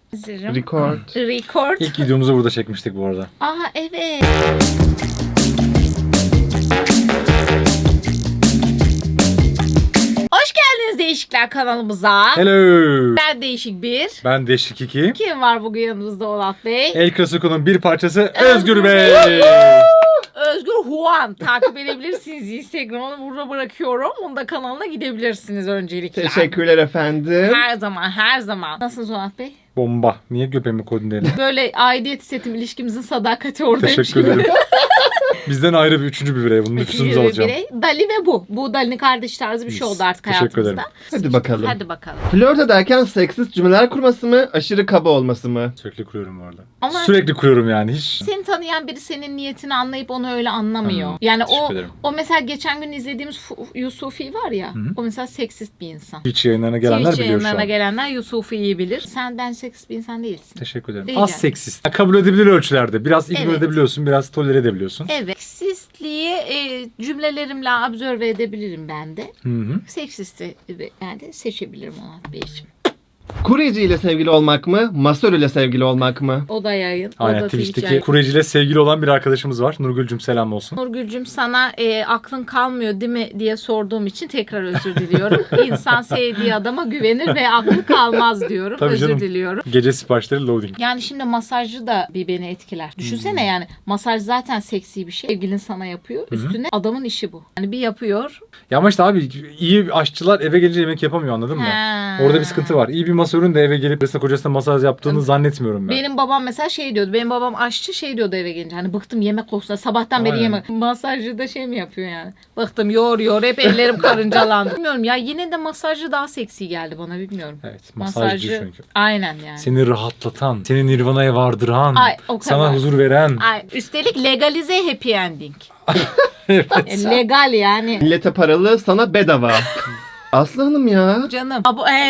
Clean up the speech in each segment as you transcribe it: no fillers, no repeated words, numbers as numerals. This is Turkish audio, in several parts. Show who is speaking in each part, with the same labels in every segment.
Speaker 1: Hazırım.
Speaker 2: Record.
Speaker 3: İlk videomuzu burada çekmiştik bu arada.
Speaker 1: Aa evet. Hoş geldiniz Değişikler kanalımıza.
Speaker 3: Hello.
Speaker 1: Ben Değişik bir.
Speaker 3: Ben Değişik 2.
Speaker 1: Kim var bugün yanımızda Onat Bey?
Speaker 3: El Clasico'nun bir parçası Özgür Bey.
Speaker 1: Özgür Huan. Takip edebilirsiniz. Instagram'ını burada bırakıyorum. Onun da kanalına gidebilirsiniz öncelikle.
Speaker 2: Teşekkürler efendim.
Speaker 1: Her zaman, her zaman. Nasılsınız Onat Bey?
Speaker 3: Bomba. Niye göbeğimi koydun diye.
Speaker 1: Böyle aidiyet hissettim, ilişkimizin sadakati oradaymış
Speaker 3: Teşekkür
Speaker 1: gibi.
Speaker 3: ederim. Bizden ayrı bir üçüncü bir birey. Bunun nüfusumuzu alacağım.
Speaker 1: Birey. Dali ve bu. Bu Dali'nin kardeş tarzı bir şey oldu artık
Speaker 3: Teşekkür
Speaker 1: hayatımızda.
Speaker 3: ederim.
Speaker 2: Hadi bakalım.
Speaker 1: Hadi bakalım.
Speaker 2: Flört ederken seksist cümleler kurması mı, aşırı kaba olması mı?
Speaker 3: Sürekli kuruyorum bu arada.
Speaker 1: Ama
Speaker 3: Sürekli kuruyorum yani. Hiç.
Speaker 1: seni tanıyan biri senin niyetini anlayıp onu öyle anlamıyor.
Speaker 3: Anladım.
Speaker 1: Yani
Speaker 3: Teşekkür ederim.
Speaker 1: o mesela geçen gün izlediğimiz Yusufi var ya.
Speaker 3: Hı.
Speaker 1: O mesela seksist bir insan.
Speaker 3: Twitch yayınlarına gelenler
Speaker 1: Twitch
Speaker 3: biliyor şu
Speaker 1: yayınlarına
Speaker 3: an.
Speaker 1: gelenler Yusufi'yi bilir. Ben seksist bir insan değilsin.
Speaker 3: Teşekkür ederim.
Speaker 1: Rica
Speaker 3: Az
Speaker 1: ederim.
Speaker 3: seksist. Kabul edilebilir ölçülerde. Biraz ignore
Speaker 1: Evet.
Speaker 3: edebiliyorsun. Biraz tolere edebiliyorsun.
Speaker 1: Evet. Seksistliği cümlelerimle observe edebilirim ben de.
Speaker 3: Hı.
Speaker 1: Seksisti yani seçebilirim Onat Beyciğim.
Speaker 2: Kuryeci ile sevgili olmak mı, masör ile sevgili olmak mı?
Speaker 1: O da yayın. O
Speaker 3: Aynen
Speaker 1: da Twitch
Speaker 3: Twitch'teki
Speaker 1: yayın.
Speaker 3: kuryeciyle sevgili olan bir arkadaşımız var. Nurgül'cüm selam olsun.
Speaker 1: Nurgül'cüm sana aklın kalmıyor değil mi diye sorduğum için tekrar özür diliyorum. İnsan sevdiği adama güvenir ve aklı kalmaz diyorum.
Speaker 3: Tabii
Speaker 1: özür
Speaker 3: canım.
Speaker 1: diliyorum.
Speaker 3: Gece siparişleri loading.
Speaker 1: Yani şimdi masajcı da bir beni etkiler. Düşünsene yani masaj zaten seksi bir şey. Sevgilin sana yapıyor. Üstüne adamın işi bu. Yani bir yapıyor.
Speaker 3: Ya ama işte abi iyi aşçılar eve gelince yemek yapamıyor anladın mı?
Speaker 1: Ha.
Speaker 3: Orada bir sıkıntı var. İyi bir masörün de eve gelip kocasına masaj yaptığını zannetmiyorum ben.
Speaker 1: Benim babam mesela şey diyordu. Benim babam aşçı şey diyordu eve gelince. Hani bıktım yemek kokusuna. Sabahtan beri
Speaker 3: Aynen.
Speaker 1: yemek. Masajcı da şey mi yapıyor yani? Bıktım yoğur hep ellerim karıncalandı. Bilmiyorum ya yine de masajcı daha seksi geldi bana bilmiyorum.
Speaker 3: Evet masajcı çünkü.
Speaker 1: Aynen yani.
Speaker 3: Seni rahatlatan, seni nirvanaya vardıran,
Speaker 1: Ay, o kadar.
Speaker 3: sana huzur veren.
Speaker 1: Ay, üstelik legalize happy ending.
Speaker 3: Evet.
Speaker 1: Legal yani.
Speaker 2: Millete paralı, sana bedava. Aslı Hanım ya.
Speaker 1: Canım.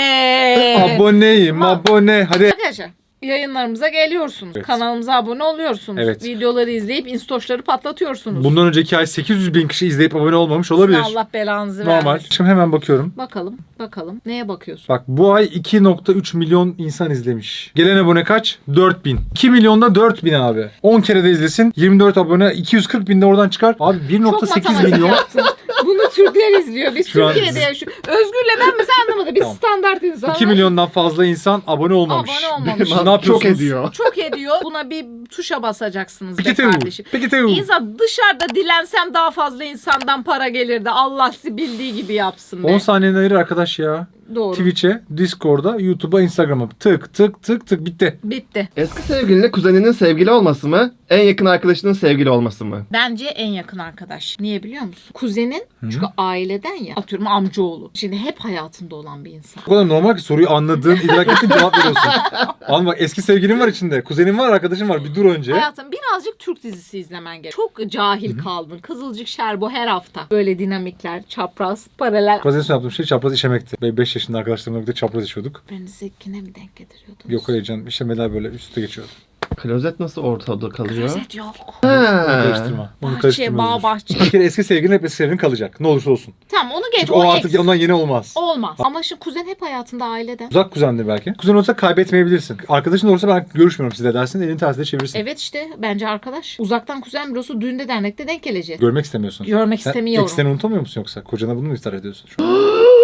Speaker 3: Aboneyim, abone. Hadi.
Speaker 1: Arkadaşlar yayınlarımıza geliyorsunuz.
Speaker 3: Evet.
Speaker 1: Kanalımıza abone oluyorsunuz.
Speaker 3: Evet.
Speaker 1: Videoları izleyip instoşları patlatıyorsunuz.
Speaker 3: Bundan önceki ay 800 bin kişi izleyip abone olmamış olabilir.
Speaker 1: Allah belanızı
Speaker 3: Normal.
Speaker 1: vermesin.
Speaker 3: Şimdi hemen bakıyorum.
Speaker 1: Bakalım. Neye bakıyorsun?
Speaker 3: Bak bu ay 2.3 milyon insan izlemiş. Gelen abone kaç? 4000. 2 milyonda 4000 abi. 10 kere de izlesin. 24 abone 240 bin de oradan çıkar. Abi
Speaker 1: Çok
Speaker 3: 1.8
Speaker 1: matematik
Speaker 3: milyon.
Speaker 1: yaptın. Bunu Türkler izliyor. Biz
Speaker 3: Şu an-
Speaker 1: Türkiye'de yaşıyoruz. Özgür'le ben mesela anlamadım. Biz
Speaker 3: Tamam.
Speaker 1: standart insanlar.
Speaker 3: 2 milyondan fazla insan abone olmamış.
Speaker 1: Abone olmamış.
Speaker 3: Ne yapıyorsunuz?
Speaker 2: Çok ediyor.
Speaker 1: Çok ediyor. Buna bir tuşa basacaksınız be
Speaker 3: Peki tev.
Speaker 1: kardeşim.
Speaker 3: Peki tev.
Speaker 1: İnsan dışarıda dilensem daha fazla insandan para gelirdi. Allah sizi bildiği gibi yapsın be.
Speaker 3: 10 saniyeni ayır arkadaş ya.
Speaker 1: Doğru.
Speaker 3: Twitch'e, Discord'a, YouTube'a, Instagram'a tık tık tık tık bitti.
Speaker 1: Bitti.
Speaker 2: Eski sevgilinle kuzeninin sevgili olması mı, en yakın arkadaşının sevgili olması mı?
Speaker 1: Bence en yakın arkadaş. Niye biliyor musun? Kuzenin çünkü aileden ya. Atıyorum amcaoğlu. Şimdi hep hayatında olan bir insan.
Speaker 3: O kadar normal ki soruyu anladığın, idrak ettiğin cevap veriyorsun. Anladın bak eski sevgilin var içinde. Kuzenin var, arkadaşın var. Bir dur önce.
Speaker 1: Hayatım birazcık Türk dizisi izlemen gerek. Çok cahil kaldın. Kızılcık Şerbo her hafta. Böyle dinamikler, çapraz, paralel.
Speaker 3: Çapraz en son yaptığım şey çapraz işemekti. Ve 5 yaşında arkadaşlarımla birlikte çapraz işiyorduk.
Speaker 1: Beni zekine mi denk getiriyordun?
Speaker 3: Yok hayır canım işemeler böyle üstte geçiyordu.
Speaker 2: Klozet nasıl ortada kalıyor?
Speaker 1: Klozet yok.
Speaker 3: Onu
Speaker 2: Ha.
Speaker 3: karıştırma. Onu
Speaker 1: Bahçe,
Speaker 3: karıştırma.
Speaker 1: bağ,
Speaker 3: Özgür.
Speaker 1: bahçe.
Speaker 3: Bir kere eski sevgilin hep eski sevgilin kalacak. Ne olursa olsun.
Speaker 1: Tamam onu geç.
Speaker 3: Çünkü o artık
Speaker 1: ex.
Speaker 3: ondan yeni olmaz.
Speaker 1: Olmaz. Ama şimdi kuzen hep hayatında aileden.
Speaker 3: Uzak kuzendir belki. Kuzen olsa kaybetmeyebilirsin. Arkadaşın olursa ben görüşmüyorum size dersin. Elini tersine çevirirsin.
Speaker 1: Evet işte bence arkadaş. Uzaktan kuzen bürosu düğünde dernekte denk geleceğiz.
Speaker 3: Görmek istemiyorsun.
Speaker 1: Görmek
Speaker 3: Sen
Speaker 1: istemiyorum.
Speaker 3: ekseni unutamıyor musun yoksa? Kocana bunu mu iftira ediyorsun şu an?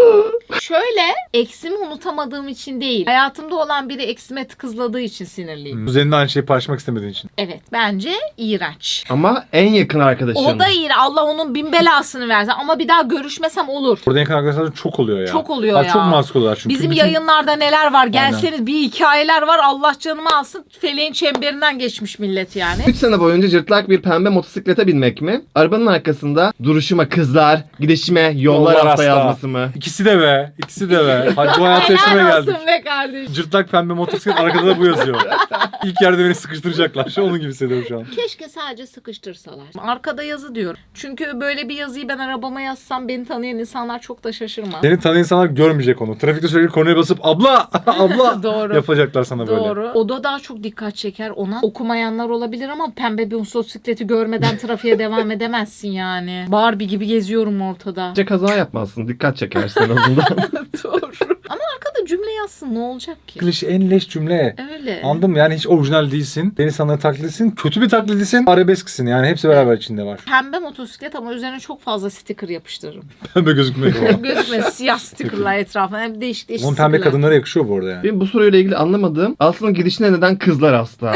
Speaker 1: Şöyle eksimi unutamadığım için değil. Hayatımda olan biri eksime tıkızladığı için sinirliyim.
Speaker 3: Kuzenine aynı şeyi paylaşmak istemediğin için.
Speaker 1: Evet bence iğrenç.
Speaker 2: Ama en yakın arkadaşın.
Speaker 1: O da iğrenç. Allah onun bin belasını versin. Ama bir daha görüşmesem olur.
Speaker 3: Burada yakın arkadaşlar çok oluyor ya.
Speaker 1: Çok oluyor
Speaker 3: Abi
Speaker 1: ya.
Speaker 3: Çok maskul oluyorlar çünkü.
Speaker 1: Bizim
Speaker 3: Bütün-
Speaker 1: yayınlarda neler var? Gelseniz bir hikayeler var. Allah canımı alsın. Feleğin çemberinden geçmiş millet yani.
Speaker 2: 3 sene boyunca cırtlak bir pembe motosiklete binmek mi? Arabanın arkasında duruşuma kızlar, gidişime yollar hasta
Speaker 3: hasta.
Speaker 2: yazması mı?
Speaker 3: İkisi de be. İkisi de be. Hadi bu hayatı yaşamaya
Speaker 1: Helal
Speaker 3: geldik.
Speaker 1: olsun be kardeşim.
Speaker 3: Cırtlak pembe motosiklet arkada da bu yazıyor. İlk yerde beni sıkıştıracaklar. Şu onun gibi hissediyorum şu an.
Speaker 1: Keşke sadece sıkıştırsalar. Arkada yazı diyorum. Çünkü böyle bir yazıyı ben arabama yazsam beni tanıyan insanlar çok da şaşırmaz.
Speaker 3: Seni tanıyan insanlar görmeyecek onu. Trafikte sürekli konuya basıp abla abla
Speaker 1: Doğru.
Speaker 3: yapacaklar sana böyle.
Speaker 1: Doğru. O da daha çok dikkat çeker. Ona okumayanlar olabilir ama pembe bir motosikleti görmeden trafiğe devam edemezsin yani. Barbie gibi geziyorum ortada.
Speaker 2: Bence kaza yapmazsın. Dikkat çekersin en azından.
Speaker 1: Doğru. Ama arkada cümle yazsın ne olacak ki?
Speaker 3: Klişe en leş cümle.
Speaker 1: Öyle.
Speaker 3: Anladın mı? Yani hiç orijinal değilsin. Deniz sanatı taklidisin. Kötü bir taklidisin. Arabesksin. Yani hepsi beraber içinde var.
Speaker 1: Pembe motosiklet ama üzerine çok fazla sticker yapıştırırım.
Speaker 3: Pembe gözükmüyor.
Speaker 1: Gözükmez siyah stickerlar etrafına. Hem değişik
Speaker 3: Onun
Speaker 1: stickerlar.
Speaker 3: pembe kadınlara yakışıyor bu arada yani.
Speaker 2: Benim bu soruyla ilgili anlamadığım aslında gidişine neden kızlar hasta?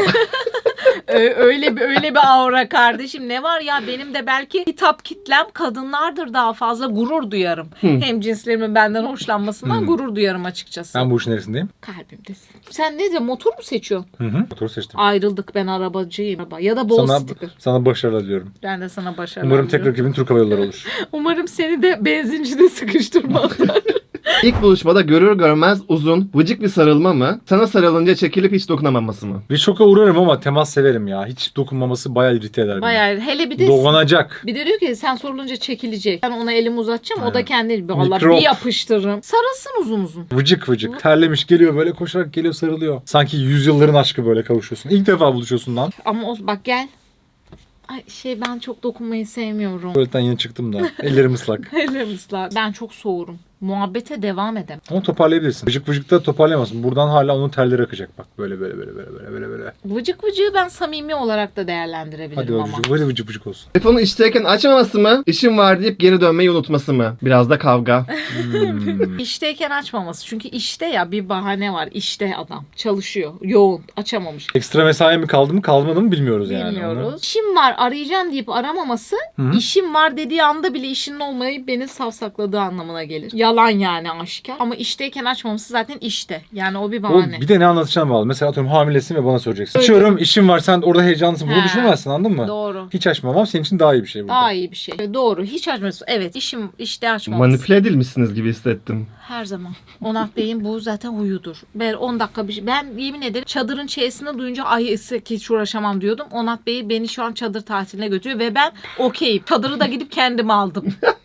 Speaker 1: Öyle bir aura kardeşim. Ne var ya benim de belki hitap kitlem kadınlardır daha fazla gurur duyarım. Hem cinslerimin benden hoşlanmasından gurur duyarım açıkçası.
Speaker 3: Ben bu işin neresindeyim?
Speaker 1: Kalbimdesin. Sen ne diyorsun? Motor mu seçiyorsun?
Speaker 3: Hı hı. Motoru seçtim.
Speaker 1: Ayrıldık ben arabacıyım. Ya da bol sticker.
Speaker 3: Sana başarılar diliyorum.
Speaker 1: Ben de sana başarılar
Speaker 3: Umarım
Speaker 1: diliyorum.
Speaker 3: tekrar ekibin Türk Hava Yolları olur.
Speaker 1: Umarım seni de benzincide sıkıştırmazlar.
Speaker 2: İlk buluşmada görür görmez uzun, vıcık bir sarılma mı? Sana sarılınca çekilip hiç dokunamaması mı?
Speaker 3: Bir şoka uğrarım ama temas severim ya. Hiç dokunmaması bayağı irite eder beni.
Speaker 1: Bayağı hele bir de
Speaker 3: Dolanacak.
Speaker 1: bir de diyor ki sen sorulunca çekilecek. Ben ona elimi uzatacağım o da kendi vallahi
Speaker 3: Mikrop.
Speaker 1: bir yapıştırırım. Sarılsın uzun uzun.
Speaker 3: Vıcık vıcık. Terlemiş geliyor böyle koşarak geliyor sarılıyor. Sanki yüzyılların aşkı böyle kavuşuyorsun. İlk defa buluşuyorsun lan.
Speaker 1: Ama bak gel. Ay ben çok dokunmayı sevmiyorum.
Speaker 3: Tuvaletten yeni çıktım da. Ellerim ıslak.
Speaker 1: Ellerim ıslak. Ben çok soğurum. Muhabbete devam edemem.
Speaker 3: Ama toparlayabilirsin. Vıcık vıcık da toparlayamazsın. Buradan hala onun terleri akacak bak. Böyle böyle böyle böyle böyle böyle böyle.
Speaker 1: Vıcık vıcığı ben samimi olarak da değerlendirebilirim
Speaker 3: Hadi
Speaker 1: ama.
Speaker 3: vıcık vıcık vıcık vıcık olsun.
Speaker 2: Telefonu işteyken açmaması mı? İşim var deyip geri dönmeyi unutması mı? Biraz da kavga.
Speaker 1: İşteyken açmaması. Çünkü işte ya bir bahane var. İşte adam. Çalışıyor. Yoğun. Açamamış.
Speaker 3: Ekstra mesai mi kaldı mı kalmadı mı bilmiyoruz yani.
Speaker 1: Bilmiyoruz. İşim var arayacağım deyip aramaması
Speaker 3: Hı-hı.
Speaker 1: işim var dediği anda bile işinin olmayıp beni savsakladığı anlamına gelir. Yalan yani aşikar. Ama işteyken açmaması zaten işte. Yani o bir
Speaker 3: Oğlum,
Speaker 1: bahane.
Speaker 3: bir de ne anlatacağına bağlı. Mesela atıyorum hamilesin ve bana soracaksın.
Speaker 1: Öyle.
Speaker 3: Açıyorum işim var sen orada heyecanlısın. Bunu
Speaker 1: He.
Speaker 3: düşünemezsin anladın mı?
Speaker 1: Doğru.
Speaker 3: Hiç açmamam senin için daha iyi bir şey bu.
Speaker 1: Daha iyi bir şey. Doğru. Hiç açmıyorsun. Evet işim işte açmaması.
Speaker 2: Manipüle edilmişsiniz gibi hissettim.
Speaker 1: Her zaman. Onat Bey'in bu zaten huyudur. Ben 10 dakika bir şey. Ben yemin ederim çadırın çeyesini duyunca ay hiç uğraşamam diyordum. Onat Bey beni şu an çadır tatiline götürüyor ve ben okeyim. Çadırı da gidip kendim aldım.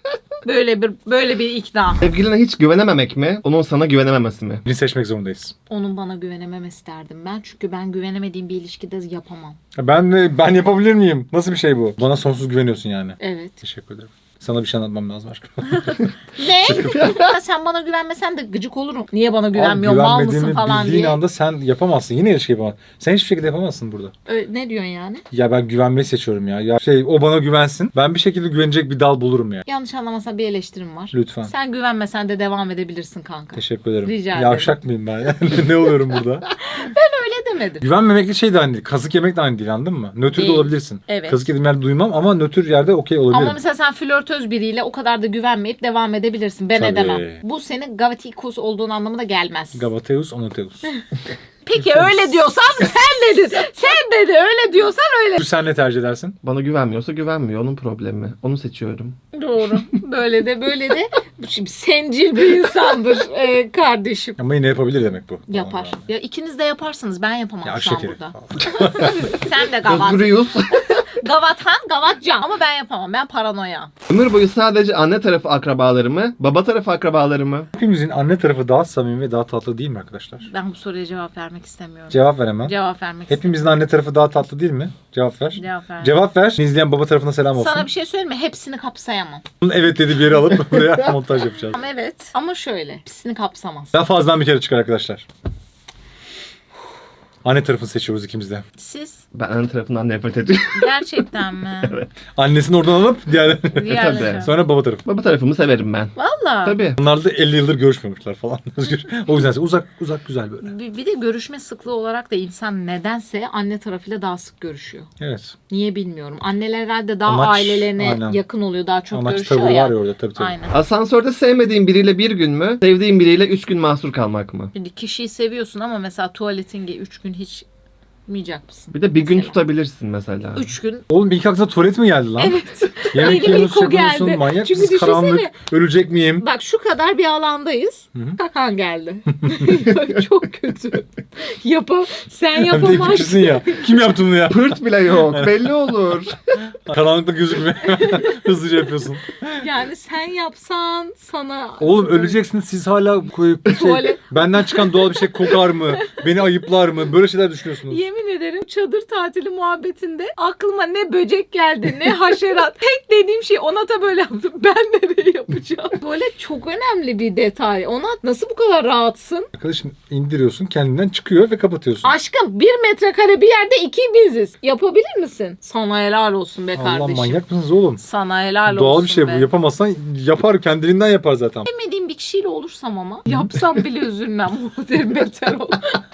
Speaker 1: Böyle bir ikna.
Speaker 2: Sevgiline hiç güvenememek mi? Onun sana güvenememesi mi?
Speaker 3: Birini seçmek zorundayız.
Speaker 1: Onun bana güvenememesi derdim ben. Çünkü ben güvenemediğim bir ilişkide yapamam.
Speaker 3: Ben yapabilir miyim? Nasıl bir şey bu? Bana sonsuz güveniyorsun yani.
Speaker 1: Evet.
Speaker 3: Teşekkür ederim. Sana bir şey anlatmam lazım aşkım.
Speaker 1: Ne? Sen bana güvenmesen de gıcık olurum. Niye bana güvenmiyorsun? Mal mısın
Speaker 3: güvenmediğimi
Speaker 1: falan
Speaker 3: bildiğin
Speaker 1: diye.
Speaker 3: anda sen yapamazsın. Yine ilişki yapamazsın. Sen hiçbir şekilde yapamazsın burada.
Speaker 1: Ne diyorsun yani?
Speaker 3: Ya ben güvenmeyi seçiyorum ya. Ya o bana güvensin. Ben bir şekilde güvenecek bir dal bulurum ya.
Speaker 1: Yanlış anlamazsan bir eleştirim var.
Speaker 3: Lütfen.
Speaker 1: Sen güvenmesen de devam edebilirsin kanka.
Speaker 3: Teşekkür ederim.
Speaker 1: Rica ederim.
Speaker 3: Yavşak mıyım ben? Ne oluyorum burada?
Speaker 1: Öyle demedim.
Speaker 3: Güvenmemekle şey de aynı değil. Kazık yemek de aynı değil anladın mı? Nötr de
Speaker 1: Değil.
Speaker 3: olabilirsin.
Speaker 1: Evet.
Speaker 3: Kazık yediğim yerde duymam ama nötr yerde okey olabilirim.
Speaker 1: Ama mesela sen flörtöz biriyle o kadar da güvenmeyip devam edebilirsin. Ben
Speaker 3: Tabii.
Speaker 1: edemem. Bu senin gavatikos olduğun anlamına gelmez.
Speaker 3: Gavateus, Onoteus.
Speaker 1: Peki öyle diyorsan sen dedin. Sen dedi öyle diyorsan öyle.
Speaker 3: Sen ne tercih edersin?
Speaker 2: Bana güvenmiyorsa güvenmiyor. Onun problemi. Onu seçiyorum.
Speaker 1: Doğru. Böyle de şimdi sencil bir insandır kardeşim.
Speaker 3: Ama yine yapabilir demek bu.
Speaker 1: Yapar. Ya ikiniz de yaparsınız. Ben yapamam
Speaker 3: Ya
Speaker 1: şu an
Speaker 3: şekeri.
Speaker 1: burada. Sen de gavat.
Speaker 2: Özgürüyüz.
Speaker 1: Gavathan, gavatcan. Ama ben yapamam. Ben paranoya.
Speaker 2: Ömür boyu sadece anne tarafı akrabaları mı? Baba tarafı akrabaları mı?
Speaker 3: Hepimizin anne tarafı daha samimi ve daha tatlı değil mi arkadaşlar?
Speaker 1: Ben bu soruya cevap vermek istemiyorum.
Speaker 3: Cevap ver hemen.
Speaker 1: Cevap vermek istemiyorum.
Speaker 3: Hepimizin anne tarafı daha tatlı değil mi? Cevap ver.
Speaker 1: Cevap ver.
Speaker 3: Cevap ver. İzleyen baba tarafına selam olsun.
Speaker 1: Sana bir şey söyleyeyim mi? Hepsini kapsayamam.
Speaker 3: Evet dedi bir yere alıp buraya montaj yapacağız.
Speaker 1: Ama evet. Ama şöyle. Hepsini kapsamaz.
Speaker 3: Daha fazladan bir kere çıkar arkadaşlar. Anne tarafını seçiyoruz ikimiz de.
Speaker 1: Siz
Speaker 2: Ben anne tarafından nefret ediyorum.
Speaker 1: gerçekten mi?
Speaker 3: Annesini oradan alıp diğerlerini.
Speaker 1: Diğerleri.
Speaker 3: Sonra baba tarafı.
Speaker 2: Baba tarafımı severim ben.
Speaker 1: Valla.
Speaker 2: Tabii.
Speaker 3: Onlar da 50 yıldır görüşmemişler falan. Özgür. O yüzden uzak güzel böyle.
Speaker 1: Bir de görüşme sıklığı olarak da insan nedense anne tarafıyla daha sık görüşüyor.
Speaker 3: Evet.
Speaker 1: Niye bilmiyorum. Anneler herhalde daha
Speaker 3: Anaç,
Speaker 1: ailelerine
Speaker 3: aynen.
Speaker 1: yakın oluyor. Daha çok
Speaker 3: Anaç
Speaker 1: görüşüyor
Speaker 3: tavır
Speaker 1: ya.
Speaker 3: var ya orada tabii.
Speaker 1: Aynen.
Speaker 2: Asansörde sevmediğin biriyle bir gün mü? Sevdiğin biriyle 3 gün mahsur kalmak mı?
Speaker 1: Şimdi kişiyi seviyorsun ama mesela tuvaletin 3 gün hiç gitmeyecek misin?
Speaker 2: Bir de bir gün
Speaker 1: Mesela.
Speaker 2: tutabilirsin mesela.
Speaker 1: 3 gün.
Speaker 3: Oğlum ilk aklına tuvalet mi geldi lan?
Speaker 1: Evet.
Speaker 3: Yemek
Speaker 1: Benim
Speaker 3: yiyorsunuz,
Speaker 1: ilk o
Speaker 3: yapıyorsun,
Speaker 1: geldi.
Speaker 3: manyak
Speaker 1: Çünkü
Speaker 3: mısın? Karanlık,
Speaker 1: düşünsene.
Speaker 3: ölecek miyim?
Speaker 1: Bak şu kadar bir alandayız.
Speaker 3: Hı-hı.
Speaker 1: Kakan geldi. Çok kötü. Sen
Speaker 3: Hem de
Speaker 1: yapamazsın.
Speaker 3: kişisin ya. Kim yaptı bunu ya?
Speaker 2: Pırt bile yok. Belli olur.
Speaker 3: Karanlıkta gözükmüyor. Hızlıca yapıyorsun.
Speaker 1: Yani sen yapsan sana...
Speaker 3: Oğlum öleceksiniz siz hala
Speaker 1: Tuvalet.
Speaker 3: benden çıkan doğal bir şey kokar mı? Beni ayıplar mı? Böyle şeyler düşünüyorsunuz.
Speaker 1: Yemin yemin ederim çadır tatili muhabbetinde aklıma ne böcek geldi ne haşerat. Tek dediğim şey Onat'a böyle yaptım. Ben nereye yapacağım? Böyle çok önemli bir detay. Onat nasıl bu kadar rahatsın?
Speaker 3: Arkadaşım indiriyorsun, kendinden çıkıyor ve kapatıyorsun.
Speaker 1: Aşkım 1 metrekare bir yerde 2 biziz. Yapabilir misin? Sana helal olsun be
Speaker 3: Allah,
Speaker 1: kardeşim.
Speaker 3: manyak mısınız oğlum?
Speaker 1: Sana helal olsun
Speaker 3: Doğal bir şey
Speaker 1: be.
Speaker 3: bu. Yapamazsan yapar, kendiliğinden yapar zaten.
Speaker 1: Sevmediğim bir kişiyle olursam ama yapsam bile üzülmem. Bu derim beter ol.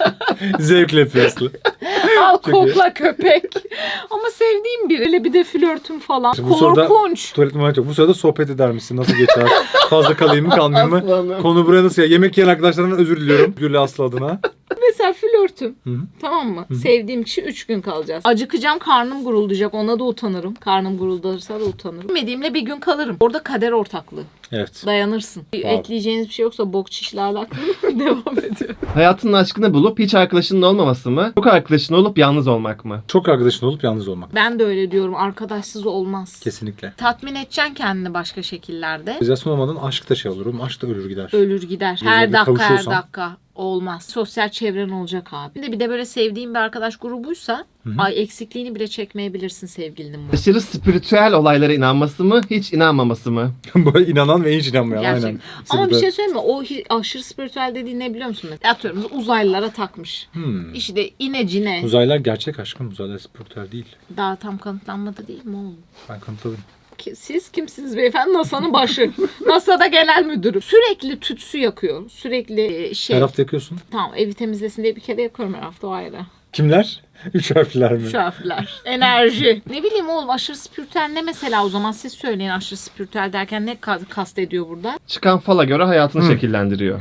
Speaker 3: Zevkle yapıyorsun.
Speaker 1: Al
Speaker 3: Çok iyi.
Speaker 1: kokla köpek. Ama sevdiğim biri. Hele bir de flörtüm falan.
Speaker 3: İşte bu sırada-
Speaker 1: Korkunç.
Speaker 3: Tuvalet muhabbet yok. Bu sırada sohbet eder misin? Nasıl geçer? Fazla kalayım mı kalmayayım mı?
Speaker 2: Aslanım.
Speaker 3: Konu buraya nasıl ya? Yemek yiyen arkadaşlarımdan özür diliyorum. Gül Aslı adına.
Speaker 1: Mesela flörtüm.
Speaker 3: Hı hı.
Speaker 1: Tamam mı? Sevdiğim kişi 3 gün kalacağız. Acıkacağım, karnım guruldayacak. Ona da utanırım. Karnım guruldarsa da utanırım. Bilmediğimle bir gün kalırım. Orada kader ortaklığı.
Speaker 3: Evet.
Speaker 1: Dayanırsın.
Speaker 3: Wow.
Speaker 1: Ekleyeceğiniz bir şey yoksa bok çişle alakalı devam ediyor.
Speaker 2: Hayatının aşkını bulup hiç arkadaşının olmaması mı? Çok arkadaşın olup yalnız olmak mı?
Speaker 3: Çok arkadaşın olup yalnız olmak.
Speaker 1: Ben de öyle diyorum. Arkadaşsız olmaz.
Speaker 3: Kesinlikle.
Speaker 1: Tatmin edeceksin kendini başka şekillerde.
Speaker 3: Realizasyon olmadan aşk da şey olur. Aşk da ölür gider.
Speaker 1: Ölür gider.
Speaker 3: Bir
Speaker 1: Her
Speaker 3: yerde
Speaker 1: dakika her
Speaker 3: kavuşuyorsan.
Speaker 1: dakika. Olmaz. Sosyal çevren olacak abi. Bir de böyle sevdiğin bir arkadaş grubuysa ay eksikliğini bile çekmeyebilirsin sevgilinin bu.
Speaker 2: Aşırı spiritüel olaylara inanması mı? Hiç inanmaması mı?
Speaker 3: Böyle inanan ve hiç inanmayan.
Speaker 1: Gerçek.
Speaker 3: Aynen.
Speaker 1: Ama bir
Speaker 3: İkisi de-
Speaker 1: şey söyleyeyim mi? O aşırı spiritüel dediğin ne biliyor musun? Mesela atıyorum uzaylılara takmış. İşte inecine.
Speaker 3: Uzaylılar gerçek aşkım. Uzaylılar spiritüel değil.
Speaker 1: Daha tam kanıtlanmadı değil mi oğlum?
Speaker 3: Ben kanıtladım.
Speaker 1: Siz kimsiniz beyefendi? NASA'nın başı. NASA'da genel müdürü. Sürekli tütsü yakıyor. Sürekli şey.
Speaker 3: Her hafta yakıyorsun.
Speaker 1: Tamam evi temizlesin diye bir kere yakıyorum her hafta o ayrı.
Speaker 3: Kimler? 3 harfler mi?
Speaker 1: Şu harfler. Enerji. Ne bileyim oğlum aşırı spiritüel ne mesela o zaman siz söyleyin aşırı spiritüel derken ne kastediyor burada?
Speaker 2: Çıkan fala göre hayatını şekillendiriyor.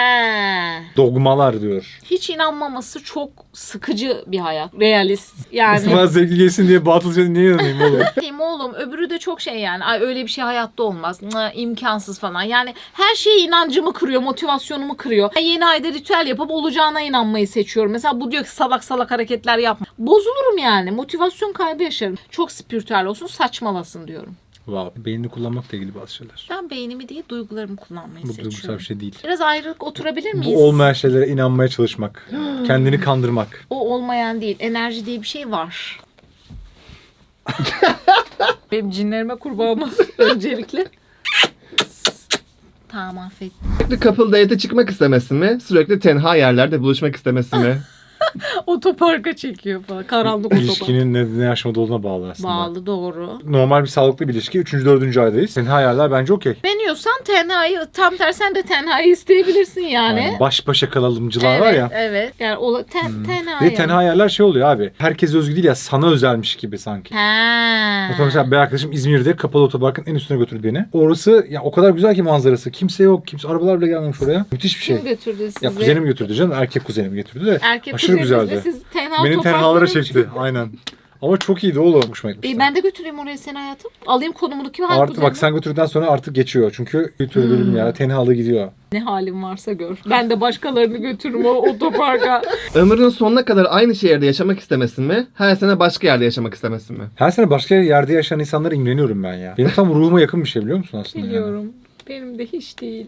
Speaker 1: He.
Speaker 3: Dogmalar diyor.
Speaker 1: Hiç inanmaması çok sıkıcı bir hayat. Realist. Yani.
Speaker 3: Bana zevkli gelsin diye batılca niye inanayım oğlum?
Speaker 1: Diyeyim oğlum öbürü de çok şey yani. Ay öyle bir şey hayatta olmaz. İmkansız falan. Yani her şeye inancımı kırıyor, motivasyonumu kırıyor. Yeni ayda ritüel yapıp olacağına inanmayı seçiyorum. Mesela bu diyor ki salak salak hareketler yapma. Bozulurum yani. Motivasyon kaybı yaşarım. Çok spiritüel olsun, saçmalasın diyorum.
Speaker 3: Wow. Beynini kullanmakla ilgili bazı şeyler.
Speaker 1: Ben beynimi değil duygularımı kullanmayı
Speaker 3: Bu duygusal
Speaker 1: seçiyorum.
Speaker 3: bir şey değil.
Speaker 1: Biraz ayrılık oturabilir miyiz?
Speaker 3: Bu olmayan şeylere inanmaya çalışmak. Kendini kandırmak.
Speaker 1: O olmayan değil. Enerji diye bir şey var. Benim cinlerime kurban olsun öncelikle. Tamam affettim.
Speaker 2: Sürekli couple date'e çıkmak istemesi mi? Sürekli tenha yerlerde buluşmak istemesi mi?
Speaker 1: Otoparka çekiyor falan. Karanlık otopark.
Speaker 3: İlişkinin ne aşamada olduğuna bağlı aslında.
Speaker 1: Bağlı doğru.
Speaker 3: Normal bir sağlıklı bir ilişki. 3. 4. aydayız. Senin hayaller bence okey.
Speaker 1: Beğeniyorsan tenhayı tam tersi sen de tenhayı isteyebilirsin yani.
Speaker 3: Aynen. Baş başa kalalımcılar
Speaker 1: Evet,
Speaker 3: var ya.
Speaker 1: evet. Yani o tenhayı.
Speaker 3: Ve tenha yerler şey oluyor abi. Herkes özgü değil ya, sana özelmiş gibi sanki.
Speaker 1: Ha.
Speaker 3: Mesela bir arkadaşım İzmir'de kapalı otoparkın en üstüne götürdü beni. Orası ya o kadar güzel ki manzarası. Kimse yok. Kimse arabalar bile gelmemiş oraya. Müthiş bir şey.
Speaker 1: Kim götürdü sizi?
Speaker 3: Ya kuzenim götürdü canım. Erkek kuzenim götürdü de.
Speaker 1: Erkek
Speaker 3: aşırı
Speaker 1: kuzeninizle
Speaker 3: güzeldi.
Speaker 1: Siz tenha
Speaker 3: Benim
Speaker 1: otoparklara
Speaker 3: tenhalara
Speaker 1: gittin.
Speaker 3: çekti. Aynen. Ama çok iyiydi oğlum. Hoşuma gitmişti.
Speaker 1: Ben de götüreyim oraya seni hayatım. Alayım konumunu kim hangi
Speaker 3: Artık bak
Speaker 1: kuzenim?
Speaker 3: sen götürdükten sonra artık geçiyor. Çünkü götürdüğüm ya tenhalı gidiyor.
Speaker 1: Ne halin varsa gör. Ben de başkalarını götürürüm o otoparka.
Speaker 2: Ömrünün sonuna kadar aynı şehirde yaşamak istemesi mi? Her sene başka yerde yaşamak istemesi mi?
Speaker 3: Her sene başka yerde yaşayan insanlara imreniyorum ben ya. Benim tam ruhuma yakın bir şey biliyor musun aslında?
Speaker 1: Biliyorum. Benim de hiç değil.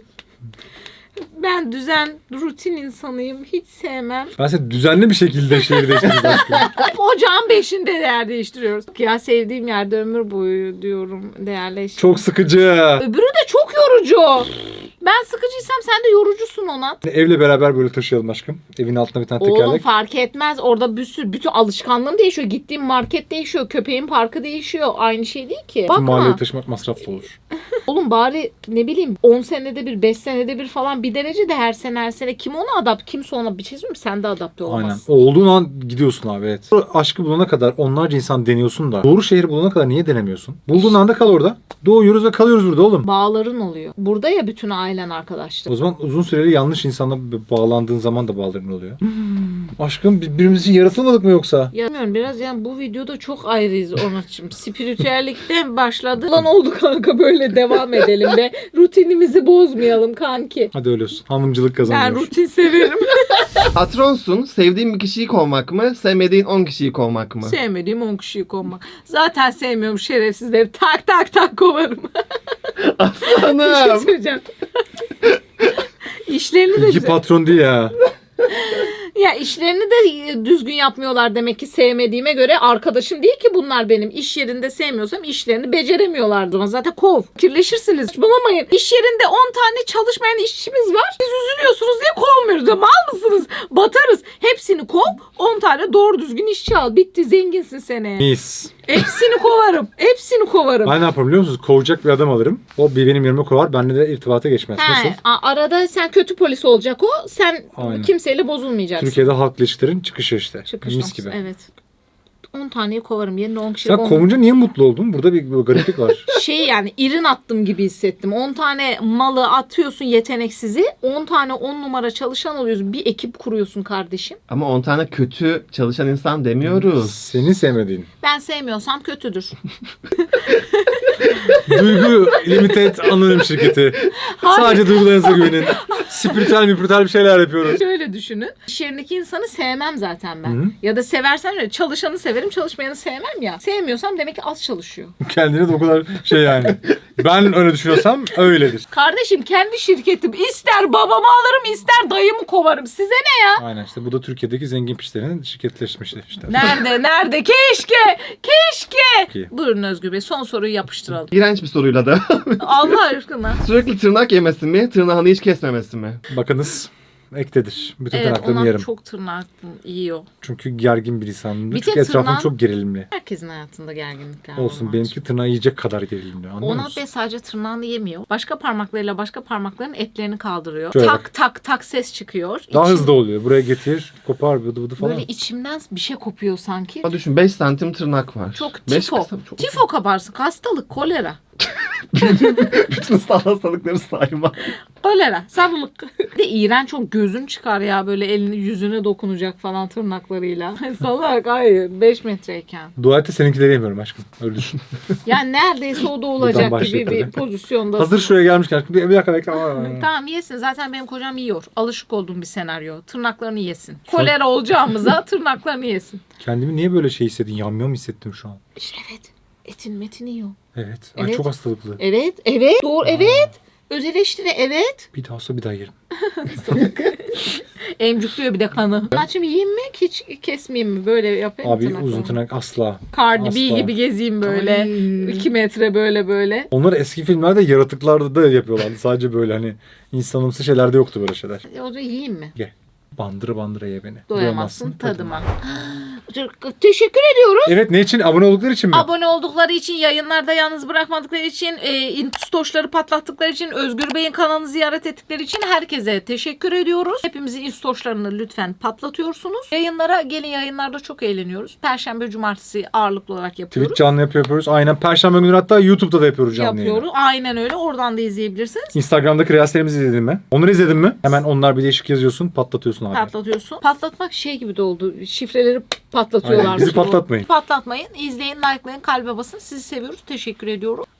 Speaker 1: Ben düzen, rutin insanıyım. Hiç sevmem.
Speaker 3: Ben size düzenli bir şekilde şehir değiştiririz aşkım.
Speaker 1: Ocağın 5'inde yer değiştiriyoruz. Ya sevdiğim yerde ömür boyu diyorum değerleştim.
Speaker 3: Çok sıkıcı.
Speaker 1: Öbürü de çok yorucu. Ben sıkıcıysam sen de yorucusun ona.
Speaker 3: Evle beraber böyle taşıyalım aşkım. Evin altına bir tane
Speaker 1: Oğlum
Speaker 3: tekerlek.
Speaker 1: fark etmez. Orada bir sürü, bütün alışkanlığım değişiyor. Gittiğim market değişiyor. Köpeğin parkı değişiyor. Aynı şey değil ki.
Speaker 3: Tüm mahalleyi
Speaker 1: Bakma.
Speaker 3: taşımak masraflı olur.
Speaker 1: Oğlum bari ne bileyim 10 senede bir 5 senede bir falan bir derece de her sene kim ona adapt kimse ona bir şey söyleyeyim mi? Sen de adapte
Speaker 3: Aynen.
Speaker 1: olamazsın.
Speaker 3: Olduğun an gidiyorsun abi evet. Aşkı bulana kadar onlarca insan deniyorsun da doğru şehri bulana kadar niye denemiyorsun? Bulduğun anda kal orada. Doğuyoruz ve kalıyoruz burada oğlum.
Speaker 1: Bağların oluyor. Burada ya bütün ailen arkadaşlar.
Speaker 3: O zaman uzun süreli yanlış insanla bağlandığın zaman da bağların oluyor. Aşkım birbirimiz için yaratılmadık mı yoksa?
Speaker 1: Ya bilmiyorum biraz yani bu videoda çok ayrıyız Onat'cığım. Spiritüellikten başladı. Lan oldu kanka böyle devam edelim be. Rutinimizi bozmayalım kanki.
Speaker 3: Hadi öyle olsun. Hanımcılık
Speaker 1: Ben
Speaker 3: kazanıyor.
Speaker 1: rutin severim.
Speaker 2: Patronsun, sevdiğin bir kişiyi kovmak mı? Sevmediğin 10 kişiyi kovmak mı?
Speaker 1: Sevmediğim 10 kişiyi kovmak. Zaten sevmiyorum şerefsizleri. Tak tak tak kovarım. Bir şey
Speaker 2: Hanım.
Speaker 1: söyleyeceğim. İşlerini de
Speaker 3: İki patron değil ya.
Speaker 1: Ya işlerini de düzgün yapmıyorlar demek ki sevmediğime göre. Arkadaşım değil ki bunlar benim. İş yerinde sevmiyorsam işlerini beceremiyorlardı. Ama zaten kov. Kirleşirsiniz. Bulamayın. İş yerinde 10 tane çalışmayan işçimiz var. Siz üzülüyorsunuz diye kovmuyoruz. Mal mısınız? Batarız. Hepsini kov. 10 tane doğru düzgün işçi al. Bitti. Zenginsin seneye.
Speaker 3: Mis.
Speaker 1: Hepsini kovarım. Hepsini kovarım.
Speaker 3: Ben ne yaparım biliyor musunuz? Kovacak bir adam alırım. O benim yerime kovar. Benimle de irtibata geçmez. Nasıl?
Speaker 1: Arada sen kötü polis olacak o. Sen
Speaker 3: Aynen.
Speaker 1: kimseyle bozulmayacaksın.
Speaker 3: Türkiye'de halkla ilişkilerin çıkışı işte.
Speaker 1: Çıkış
Speaker 3: Mis
Speaker 1: noktası,
Speaker 3: gibi.
Speaker 1: evet. 10 taneyi kovarım. Yerine 10 kişi.
Speaker 3: Sen kovunca niye mutlu oldun? Burada bir gariplik var.
Speaker 1: Yani irin attım gibi hissettim. 10 tane malı atıyorsun yeteneksizi. 10 tane 10 numara çalışan oluyorsun. Bir ekip kuruyorsun kardeşim.
Speaker 2: Ama 10 tane kötü çalışan insan demiyoruz.
Speaker 3: Senin sevmediğin.
Speaker 1: Ben sevmiyorsam kötüdür.
Speaker 3: Duygu Limited anonim şirketi. Sadece duygularınıza güvenin. Spiritüel bir şeyler yapıyoruz.
Speaker 1: Şöyle düşünün. İş yerindeki insanı sevmem zaten ben.
Speaker 3: Hı.
Speaker 1: Ya da seversem öyle. Çalışanı severim, çalışmayanı sevmem ya. Sevmiyorsam demek ki az çalışıyor.
Speaker 3: Kendine de o kadar şey yani. Ben öyle düşünüyorsam öyledir.
Speaker 1: Kardeşim kendi şirketim. İster babamı alırım, ister dayımı kovarım. Size ne ya?
Speaker 3: Aynen işte bu da Türkiye'deki zengin piçlerin şirketleşmişi işte.
Speaker 1: Nerede? Keşke.
Speaker 3: Ki.
Speaker 1: Buyurun Özgür Bey. Son soruyu yapıştıralım.
Speaker 2: İğrenç bir soruyla da.
Speaker 1: Allah aşkına.
Speaker 2: Sürekli tırnak yemesi mi, tırnağını hiç kesmemesi mi?
Speaker 3: Bakınız ektedir. Bütün
Speaker 1: Evet,
Speaker 3: tırnaklarımı
Speaker 1: ona
Speaker 3: yerim.
Speaker 1: çok tırnak yiyor.
Speaker 3: Çünkü gergin bir insanımdır.
Speaker 1: Bir
Speaker 3: Çünkü
Speaker 1: tek
Speaker 3: etrafım
Speaker 1: tırnağın-
Speaker 3: çok gerilimli.
Speaker 1: Herkesin hayatında gerginlikler
Speaker 3: Olsun
Speaker 1: var.
Speaker 3: benimki tırnağı yiyecek kadar gerilimli. Anlıyor
Speaker 1: Onat
Speaker 3: musun?
Speaker 1: Bey sadece tırnağını yemiyor. Başka parmaklarıyla başka parmakların etlerini kaldırıyor.
Speaker 3: Şöyle
Speaker 1: tak
Speaker 3: bak.
Speaker 1: tak tak ses çıkıyor.
Speaker 3: Daha
Speaker 1: İçim-
Speaker 3: hızlı oluyor. Buraya getir, kopar, bıdı bıdı falan.
Speaker 1: Böyle içimden bir şey kopuyor sanki.
Speaker 2: Ama düşün 5 santim tırnak var.
Speaker 1: Çok
Speaker 2: 5
Speaker 1: tifo.
Speaker 2: kısım çok.
Speaker 1: Tifo kabarsın. Hastalık. Kolera.
Speaker 2: Bütün ıslah hastalıkları sayma.
Speaker 1: Kolera. Sarılık. Bir de iğrenç çok gözün çıkar ya böyle elini yüzüne dokunacak falan tırnaklarıyla. Salak hayır 5 metreyken.
Speaker 3: Dua et de seninkileri yemiyorum aşkım. Öyle düşün.
Speaker 1: Yani neredeyse o da olacak
Speaker 3: Buradan
Speaker 1: gibi
Speaker 3: başlayıp
Speaker 1: bir
Speaker 3: hadi.
Speaker 1: pozisyonda.
Speaker 3: Hazır şuraya gelmişken bir dakika bekle. Aa.
Speaker 1: Tamam yesin. Zaten benim kocam yiyor. Alışık olduğum bir senaryo. Tırnaklarını yesin. Kolera olacağımıza tırnaklarını yesin.
Speaker 3: Kendimi niye böyle şey hissettin? Yamyam hissettim şu an.
Speaker 1: İşte evet. Etin metini yiyor.
Speaker 3: Evet. Ay
Speaker 1: Evet.
Speaker 3: çok hastalıklı.
Speaker 1: Evet. Doğru. Evet. Öz eleştiri evet.
Speaker 3: Bir daha olsa bir daha yerim.
Speaker 1: Emcükliyor bir de kanı. Açım yiyeyim mi? Hiç kesmeyeyim mi? Böyle yapayım
Speaker 3: Abi
Speaker 1: tırnaklarımı.
Speaker 3: uzun tırnak asla.
Speaker 1: Cardi B
Speaker 3: Asla.
Speaker 1: gibi gezeyim böyle.
Speaker 2: Ay.
Speaker 1: 2 metre böyle.
Speaker 3: Onları eski filmlerde yaratıklarda da yapıyorlardı. Sadece böyle hani insanımsı şeylerde yoktu böyle şeyler.
Speaker 1: O da yiyeyim mi?
Speaker 3: Bandıra bandıra ye beni.
Speaker 1: Doyamazsın tadıma. Teşekkür ediyoruz.
Speaker 3: Evet ne için? Abone oldukları için mi?
Speaker 1: Abone oldukları için, yayınlarda yalnız bırakmadıkları için, instoşları patlattıkları için, Özgür Bey'in kanalını ziyaret ettikleri için herkese teşekkür ediyoruz. Hepimizin instoşlarını lütfen patlatıyorsunuz. Yayınlara gelin, yayınlarda çok eğleniyoruz. Perşembe, cumartesi ağırlıklı olarak yapıyoruz.
Speaker 3: Twitch canlı yapıyoruz. Aynen Perşembe günü hatta YouTube'da da yapıyoruz canlı yayını.
Speaker 1: Yapıyoruz. Aynen öyle. Oradan da izleyebilirsiniz.
Speaker 3: Instagram'daki reelslerimizi izledin mi? Onları izledin mi? Hemen onlar bir değişik yazıyorsun, patlatıyorsun abi.
Speaker 1: Patlatıyorsun. Patlatmak şey gibi de oldu. Şifreleri patlatıyorlar.
Speaker 3: Aynen, bizi patlatmayın.
Speaker 1: Patlatmayın. İzleyin, likelayın, kalbe basın. Sizi seviyoruz. Teşekkür ediyoruz.